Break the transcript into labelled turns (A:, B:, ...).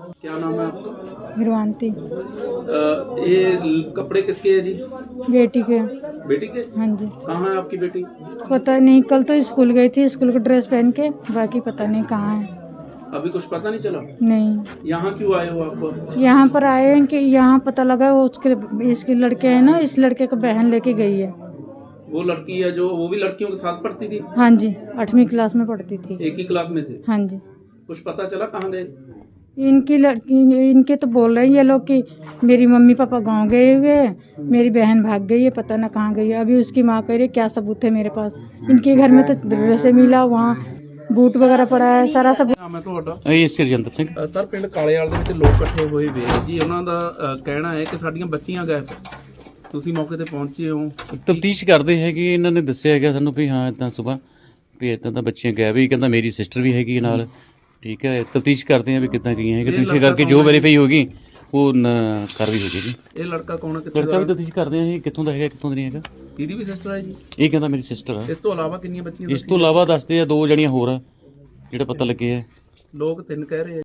A: क्या नाम है आपका?
B: हिरवानती।
A: ये कपड़े किसके है जी?
B: बेटी के।
A: बेटी के?
B: हाँ जी।
A: कहाँ है आपकी बेटी?
B: पता नहीं, कल तो स्कूल गई थी, स्कूल का ड्रेस पहन के, बाकी पता नहीं कहाँ है।
A: अभी कुछ पता नहीं चला?
B: नहीं,
A: यहाँ क्यों आए हो आप?
B: यहाँ पर आए हैं कि यहाँ पता लगा वो उसके इसके लड़के है ना, इस लड़के का बहन लेके गई है।
A: वो लड़की है जो वो भी लड़कियों के साथ पढ़ती थी?
B: हाँ जी, 8वीं क्लास में पढ़ती थी।
A: एक ही क्लास में थे?
B: हाँ जी।
A: कुछ पता चला कहाँ गए?
B: इनकी लड़की, इनके तो बोल रहे हैं ये लोग कि मेरी मम्मी पापा गांव गए हुए हैं, मेरी बहन भाग गई है, पता ना कहाँ गई है। अभी उसकी माँ कह रही है क्या सबूत है मेरे पास। इनके घर में तो ड्रेस मिला, वहाँ बूट वगैरह पड़ा है, सारा सब।
A: ਨਾਮ ਹੈ ਤੁਹਾਡਾ?
C: ਇਹ ਸਰਜਿੰਦਰ ਸਿੰਘ।
A: ਸਰ ਪਿੰਡ ਕਾਲੇਵਾਲ ਦੇ ਵਿੱਚ ਲੋਕ ਇਕੱਠੇ ਹੋਏ ਵੇ ਜੀ, ਉਹਨਾਂ ਦਾ ਕਹਿਣਾ ਹੈ ਕਿ ਸਾਡੀਆਂ ਬੱਚੀਆਂ ਗਾਇਬ। ਤੁਸੀਂ ਮੌਕੇ ਤੇ ਪਹੁੰਚੇ ਹੋ?
C: ਤਫਤੀਸ਼ ਕਰਦੇ ਹੈਗੇ, ਇਹਨਾਂ ਨੇ ਦੱਸਿਆ ਹੈਗਾ ਸਾਨੂੰ ਵੀ ਹਾਂ ਇਦਾਂ ਸਵੇਰ ਵੀ ਇਦਾਂ ਤਾਂ ਬੱਚੀਆਂ ਗਾਇਬ ਹੀ, ਕਹਿੰਦਾ ਮੇਰੀ ਸਿਸਟਰ ਵੀ ਹੈਗੀ ਨਾਲ। ਠੀਕ ਹੈ, ਤਫਤੀਸ਼ ਕਰਦੇ ਆ ਵੀ ਕਿੱਦਾਂ ਗਈਆਂ ਹੈਗੇ, ਤਫਤੀਸ਼ ਕਰਕੇ ਜੋ ਵੈਰੀਫਾਈ ਹੋਗੀ ਉਹ ਕਾਰਵਾਈ ਹੋ ਜਾਏਗੀ।
A: ਇਹ ਲੜਕਾ ਕੌਣ ਹੈ, ਕਿੱਥੇ
C: ਲੜਕਾ ਵੀ ਤਫਤੀਸ਼ ਕਰਦੇ ਆ, ਇਹ ਕਿੱਥੋਂ ਦਾ ਹੈਗਾ ਕਿੱਥੋਂ ਦਾ ਨਹੀਂ ਹੈਗਾ।
A: ਇਹਦੀ ਵੀ ਸਿਸਟਰ ਹੈ ਜੀ?
C: ਇਹ ਕਹਿੰਦਾ ਮੇਰੀ ਸਿਸਟਰ ਆ।
A: ਇਸ ਤੋਂ ਇਲਾਵਾ ਕਿੰਨੀਆਂ ਬੱਚੀਆਂ?
C: ਇਸ ਤੋਂ ਇਲਾਵਾ ਦੱਸਦੇ ਆ 2 ਜਣੀਆਂ ਹੋਰ ਆ ਜਿਹੜੇ ਪਤਾ ਲੱਗੇ ਆ।
A: ਲੋਕ 3 ਕਹਿ ਰਹੇ ਆ।